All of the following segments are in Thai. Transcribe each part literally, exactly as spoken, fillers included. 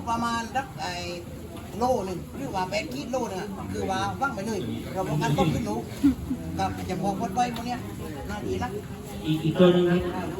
ประมาณสักไอ้โลหนึ่งหรือว่าแปดขีดโลนึงคือว่าว่างไปเลยเราป้องกันต้มขึ้นหนูกับจะพอพดไว้พวกเนี้ยน่าดีนะอีกอีกตัวนึงครับ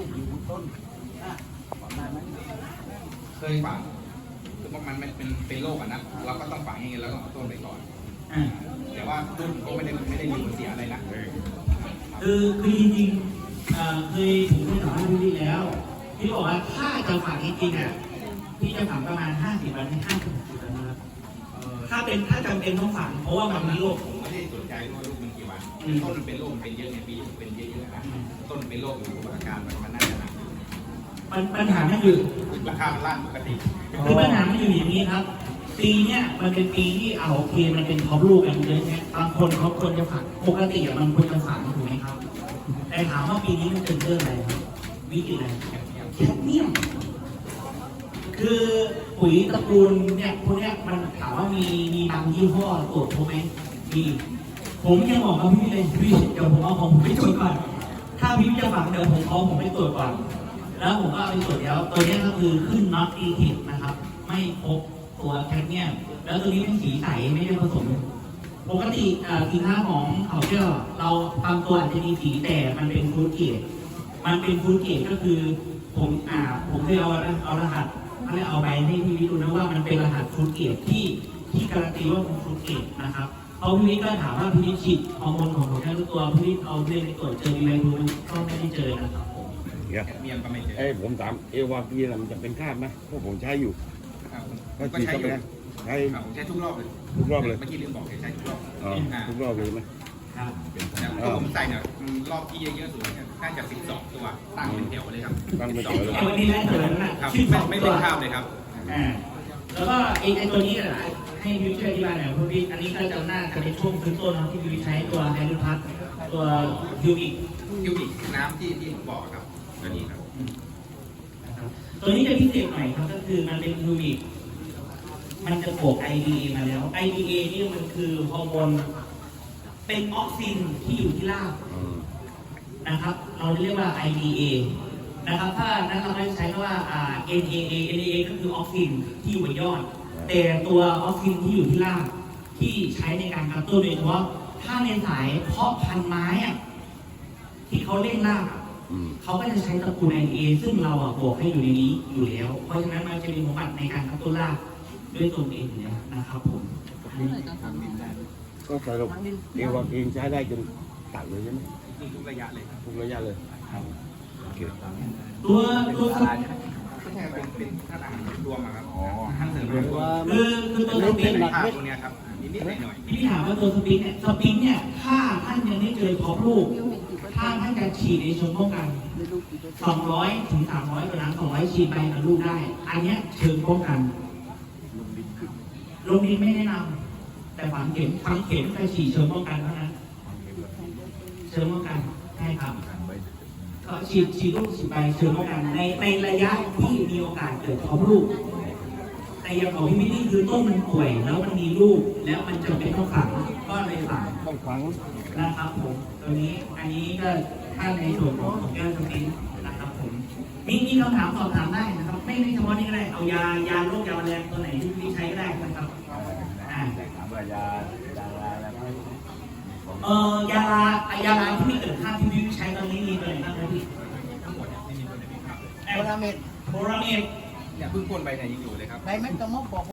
เคยฝังคือว่ามันเป็นเป็นโรคอ่ะนะเราก็ต้องฝังอย่างเงี้ยแล้วก็เอาต้นไปก่อนแต่ว่าต้นก็ไม่ได้ไม่ได้มีผลเสียอะไรนะคือคือจริงๆเคยผมเคยถามพี่พี่แล้วพี่บอกว่าถ้าจะฝังจริงๆอ่ะพี่จะฝังประมาณห้าสิบวันถึงห้าสิบวันนะครับถ้าเป็นถ้าจำเป็นต้องฝังเพราะว่ามันมีโรคผมไม่ได้สนใจว่าโรคมันกี่วันต้นมันเป็นโรคมันเป็นเยอะในปีเป็นเยอะๆนะต้นเป็นโรคอยู่อาการมันมันน่าจะหนักปัญหาไม่อยู่ราคาล่างปกติคือปัญหาไม่อยู่อย่างนี้ครับปีเนี้ยมันเป็นปีที่เอาโอเคมันเป็นท็อปลูกกันเยอะเนี่ยบางคนเขาควรจะฝังปกติมันควรจะฝังถูกไหมครับแต่ถามว่าปีนี้มันเป็นเรื่องอะไรครับวิกฤตอะไรแคดเมียมคือปุ๋ยตระกูลเนี่ยพวกเนี้ยมันถามว่ามีมีบางยี่ห้อตรวจพบไหมมีผมยังบอกกับพี่เลยพี่เดี๋ยวผมเอาของผมไปตรวจก่อนถ้าพี่จะฝังเดี๋ยวผมเอาผมไปตรวจก่อนแล้วผมก็เอาไปตรวจแล้วตัวนี้ก็คือขึ้นน็อตอีทินะครับไม่พบตัวแคดเมียมแล้วตัวนี้เป็นสีใสไม่ได้ผสมปกติสินค้าของเขาเชื่อเราบางตัวอาจจะมีสีแต่มันเป็นฟูดเกรดมันเป็นฟูดเกรดก็คือผมอ่าผมเคยเอาเอารหัสเขาเรียกเอาไปให้พี่วิทย์ดูนะว่ามันเป็นรหัสฟูดเกรดที่ที่การันตีว่าเป็นฟูดเกรดนะครับเขาพี่วิทย์ก็ถามว่าพี่วิทย์ฉีดฮอร์โมนของผมแค่ตัวพี่วิทย์เอาเรื่องไปตรวจเจอมีอะไรดูก็ไม่ได้เจอนะครับผมเมียนก็ไม่เจอเอ้ผมถามเอวาปีมันจะเป็นคราบไหมเพราะผมใช้อยู่ก็ใช้อยู่ใช้ใช้ทุกรอบเลยทุกรอบเลยเมื่อกี้ลืมบอกใช้ทุกรอบทุกรอบเลยไหมครับแต่ผมใส่เนี่ยรอบที่เยอะๆสุดเนี่ยน่าจะสิบสองตัวตั้งเป็นแถวเลยครับตั้งเป็นแถวเลยวันนี้ได้ตัวนั้นนะครับไม่เป็นคราบเลยครับแล้วก็ไอ้ตัวนี้นะให้วิวช่วยอธิบายหน่อยคุณพี่อันนี้ก็จะน่าจะเป็นช่วงพื้นต้นที่วิวใช้ตัวไฮรูพัทตัวฮิวบิกฮิวบิกน้ำที่ที่บอกครับตัวนี้ครับตัวนี้จะพิเศษหน่อยครับก็คือมันเป็นฮิวบิกมันจะบวก ไอ ดี เอ มาแล้ว ไอ ดี เอ นี่มันคือฮอร์โมนเป็นออกซินที่อยู่ที่รากนะครับเราเรียกว่า ไอ ดี เอ นะครับถ้านั้นเราไม่ใช้ว่า เอ็น เอ เอ เอ็น เอ เอ ก็คือออกซินที่อยู่บนยอดแต่ตัวออกซินที่อยู่ที่รากที่ใช้ในการกระตุ้นโดยเฉพาะถ้าในสายเพาะพันธุ์ไม้ที่เขาเล่นรากเขาก็จะใช้ตระกูล ไอ ดี เอ ซึ่งเราบวกให้อยู่ในนี้อยู่แล้วเพราะฉะนั้นมันจะมีสมบัติในการกระตุ้นรากด้วยตัวเองเนี่ยนะครับผมก็สรุปเอวาปีใช้ได้จนตัดเลยใช่ไหมทุกระยะเลยทุกระยะเลยตัวตัวสารเป็นเป็นท่าทางรวมครับอ๋อท่านเสริมคือคือตัวสปินภาพตรงนี้ครับนิดๆหน่อยพี่ถามว่าตัวสปินเนี่ยสปินเนี่ยถ้าท่านยังไม่เจอพบลูกถ้าท่านจะฉีดในเชิงป้องกันสองร้อยถึงสามร้อยตัวนั้นสองร้อยฉีดไปกับลูกได้อันนี้เชิงป้องกันลงดินไม่แนะนำแต่ฝังเข็มฝังเข็มไปฉีดเชิงป้องกันเท่านั้นเชิงป้องกันใช่ครับก็ฉีดฉีดลูกฉีดไปเชิงป้องกันในในระยะที่มีโอกาสเกิดพบลูกแต่อย่างของพี่มินี่คือต้นมันป่วยแล้วมันมีลูกแล้วมันจำเป็นต้องฝังก็เลยฝังต้องฝังนะครับผมตัวนี้อันนี้ก็ถ้าในส่วนของแก้วสปินนะครับผมมีมีคำถามสอบถามได้นะครับไม่ไม่เฉพาะนี่ก็ได้เอายายาโรคยาแมลงตัวไหนที่พี่ใช้ก็ได้นะครับอ่าถามว่ายายาอะไรไหมเออยาลายาลาที่มีเกิดค่าที่พี่ใช้ตอนนี้มีตัวไหนบ้างครับพี่ทั้งหมดไม่มีตัวไหนครับโบราเมดโบราเมดเนี่ยเพิ่งพ่นไปเนี่ยยังอยู่เลยครับในเม็ดกระมอกบอก